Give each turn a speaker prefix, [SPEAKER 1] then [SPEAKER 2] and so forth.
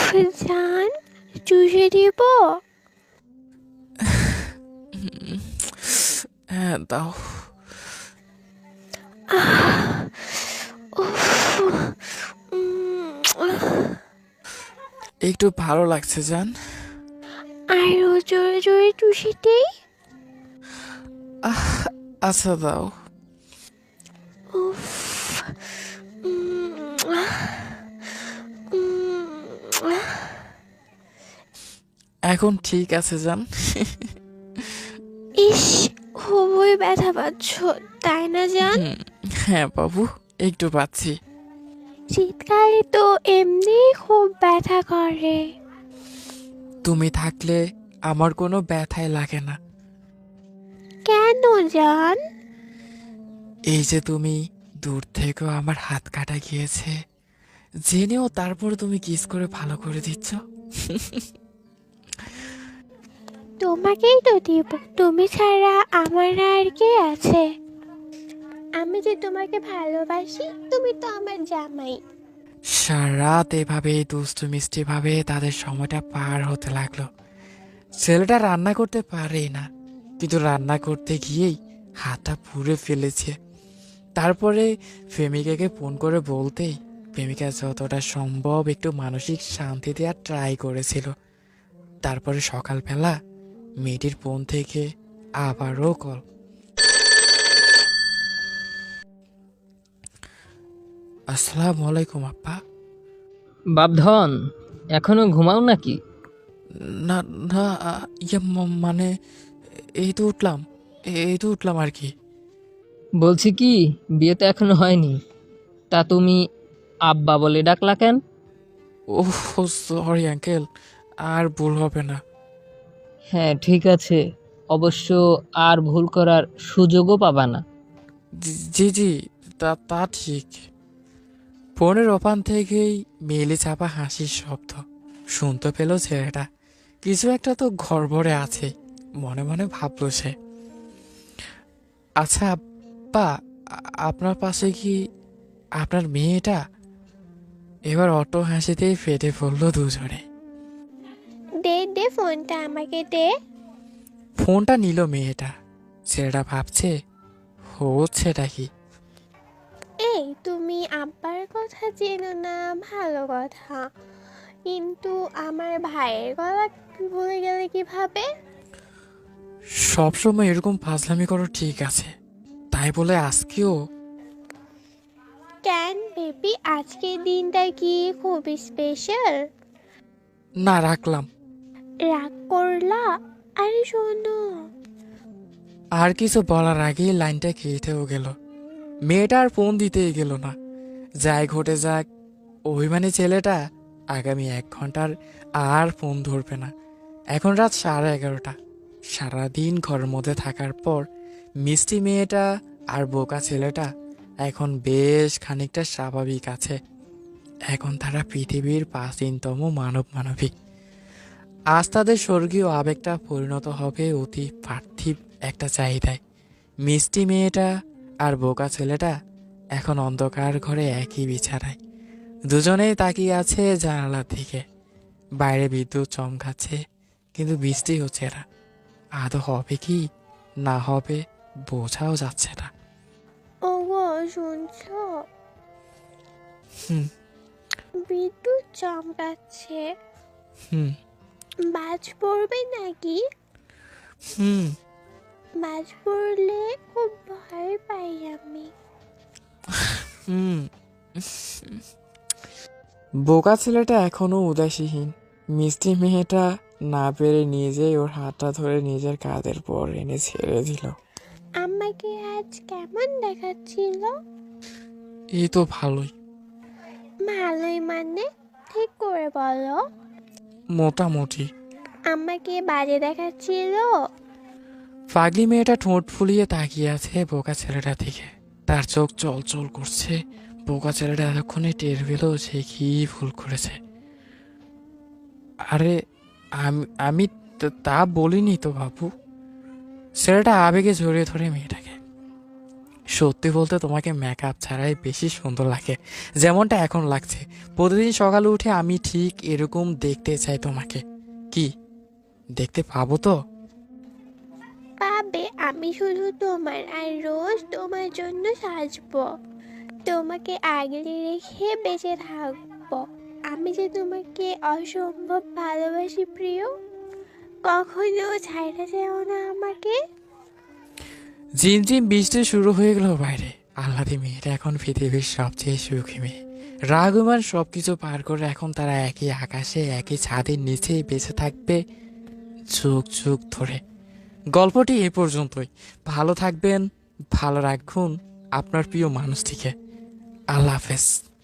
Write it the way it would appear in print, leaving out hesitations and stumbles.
[SPEAKER 1] জান, চুষে দিব?
[SPEAKER 2] হ্যাঁ দাও। একটু ভালো লাগছে জান।
[SPEAKER 1] আরো জোরে জোরে চুষে দেই?
[SPEAKER 2] আহ, আচ্ছা দাও।
[SPEAKER 1] উফ।
[SPEAKER 2] এখন ঠিক আছে জান।
[SPEAKER 1] ইস, খুবই ব্যথা পাচ্ছ, তাই না জান?
[SPEAKER 2] হুম, হ্যাঁ বাবু, একটু পাচ্ছি।
[SPEAKER 1] শীতকালে তো এমনি খুব ব্যথা করে।
[SPEAKER 2] তুমি থাকলে আমার কোনো ব্যথাই লাগে না।
[SPEAKER 1] কেন জান?
[SPEAKER 2] এই যে তুমি দূর থেকেও আমার হাত কাটা গিয়েছে জেনেও তারপর তুমি কিস করে ভালো করে দিচ্ছ।
[SPEAKER 1] তোমাকেই তো দিব, তুমি ছাড়া আমার আর কে আছে? আমি যে তোমাকে ভালোবাসি, তুমি তো আমার জামাই।
[SPEAKER 2] সারা রাত এভাবে দুষ্টু মিষ্টি ভাবে তাদের সময়টা পার হতে লাগলো। ছেলেটা রান্না করতে পারেই না, কিন্তু রান্না করতে গিয়েই হাতটা পুড়ে ফেলেছে। তারপরে প্রেমিকাকে ফোন করে বলতেই প্রেমিকা যতটা সম্ভব একটু মানসিক শান্তি দেওয়ার ট্রাই করেছিল। তারপরে সকালবেলা মেয়েটির ফোন থেকে আবারও কল। আসসালামু আলাইকুম আপ্পা।
[SPEAKER 3] বাপধন, এখনো ঘুমাও নাকি?
[SPEAKER 2] না না, মানে এই তো উঠলাম আর কি।
[SPEAKER 3] বলছি কি, বিয়ে তো এখনো হয়নি, তা তুমি আব্বা বলে ডাকলা কেন?
[SPEAKER 2] ওহ, সরি আঙ্কেল, আর ভুল হবে না।
[SPEAKER 3] হ্যাঁ ঠিক আছে, অবশ্য আর ভুল করার সুযোগও পাবা না।
[SPEAKER 2] জি জি, তা তা ঠিক। ফোনের ওপান থেকেই মেলে চাপা হাসির শব্দ শুনতে পেল ছেলেটা। কিছু একটা তো গড়বড়ে আছে, মনে মনে ভাবল সে। আচ্ছা আব্বা, আপনার পাশে কি আপনার মেয়েটা? এবার অটো হাসিতেই ফেটে পড়ল দুজনে।
[SPEAKER 1] দে দে ফোনটা আমাকে দে।
[SPEAKER 2] ফোনটা নিল মেয়েটা। ছেলেটা ভাবছে হচ্ছেটা কি।
[SPEAKER 1] এই, তুমি আব্বার কথা চেনো না, ভালো কথা, কিন্তু আমার ভাইয়ের কথা ভুলে গেলে কিভাবে?
[SPEAKER 2] সবসময় এরকম ফাজলামি করো ঠিক আছে, তাই বলে আজকেও?
[SPEAKER 1] কেন বেবি, আজকের দিনটা কি খুবই স্পেশাল?
[SPEAKER 2] না, রাখলাম।
[SPEAKER 1] রাগ করলা? আরে শোনো।
[SPEAKER 2] আর কিছু বলার আগেই লাইনটা কেটেও গেল। মেয়েটা আর ফোন দিতেই গেল না। যাই ঘটে যাক, অভিমানী ছেলেটা আগামী 1 ঘন্টার আর ফোন ধরবে না। এখন রাত 11:30। সারাদিন ঘরের মধ্যে থাকার পর মিষ্টি মেয়েটা আর বোকা ছেলেটা এখন বেশ খানিকটা স্বাভাবিক আছে। এখন তারা পৃথিবীর প্রাচীনতম মানবিক। আজ তাদের স্বর্গীয় আবেগটা পরিণত হবে অতি পার্থিব একটা চাহিদায়। মিষ্টি মেয়েটা আর বোকা ছেলেটা এখন অন্ধকার ঘরে একই বিছানায়। দুজনেই তাকিয়ে আছে জানালার দিকে। বাইরে বিদ্যুৎ চমকাচ্ছে, কিন্তু বৃষ্টি হচ্ছে না। আদৌ হবে কি না হবে বোঝাও যাচ্ছে না।
[SPEAKER 1] ওগো, শুনছো?
[SPEAKER 2] হুম
[SPEAKER 1] বিদ্যুৎ চমকাচ্ছে।
[SPEAKER 2] হুম
[SPEAKER 1] বাজ পড়বে নাকি?
[SPEAKER 2] হুম
[SPEAKER 1] বাজ পড়লে খুব ভয় পাই আমি।
[SPEAKER 2] হুম বোকা ছেলেটা এখনো উদাসীহীন। মিষ্টি মেয়েটা না পেরে নিজেই ওর হাতটা ধরে নিজের কাঁধের পর এনে ছেড়ে দিল।
[SPEAKER 1] আমাকে আজ কেমন দেখাচ্ছিল?
[SPEAKER 2] এই তো ভালোই।
[SPEAKER 1] ভালোই মানে? ঠিক করে বলো।
[SPEAKER 2] মোটামুটি।
[SPEAKER 1] আমাকে বাজে দেখাচ্ছিল?
[SPEAKER 2] পাগলি মেয়েটা ঠোঁট ফুলিয়ে তাকিয়ে আছে বোকা ছেলেটার দিকে। তার চোখ চল করছে। বোকা ছেলেটা এতক্ষণে টের পেল সে কি ভুল করেছে। আরে, আমি আমি তা বলিনি তো বাবু। ছেলেটা আবেগে জড়িয়ে ধরে মেয়েটাকে। সত্যি বলতে তোমাকে মেকআপ ছাড়াই বেশি সুন্দর লাগে, যেমনটা এখন লাগছে। প্রতিদিন সকালে উঠে আমি ঠিক এরকম দেখতে চাই তোমাকে। কি দেখতে পাবো তো?
[SPEAKER 1] পাবে, আমি শুধু তোমার আর রোজ তোমার জন্য সাজবো, তোমাকে আগলে রেখে বেঁচে থাকবো। আমি যে তোমাকে অসম্ভব ভালোবাসি প্রিয়, কখনো ছাইড়া যেও না আমাকে।
[SPEAKER 2] ঝিমঝিম বৃষ্টি শুরু হয়ে গেল বাইরে। আহ্লাদী মেয়েটা এখন পৃথিবীর সবচেয়ে সুখী মেয়ে। রাগুমান সবকিছু পার করে এখন তারা একই আকাশে একই ছাদের নিচেই বেঁচে থাকবে যুগ যুগ ধরে। গল্পটি এ পর্যন্তই। ভালো থাকবেন, ভালো রাখুন আপনার প্রিয় মানুষটিকে। আল্লাহ হাফেজ।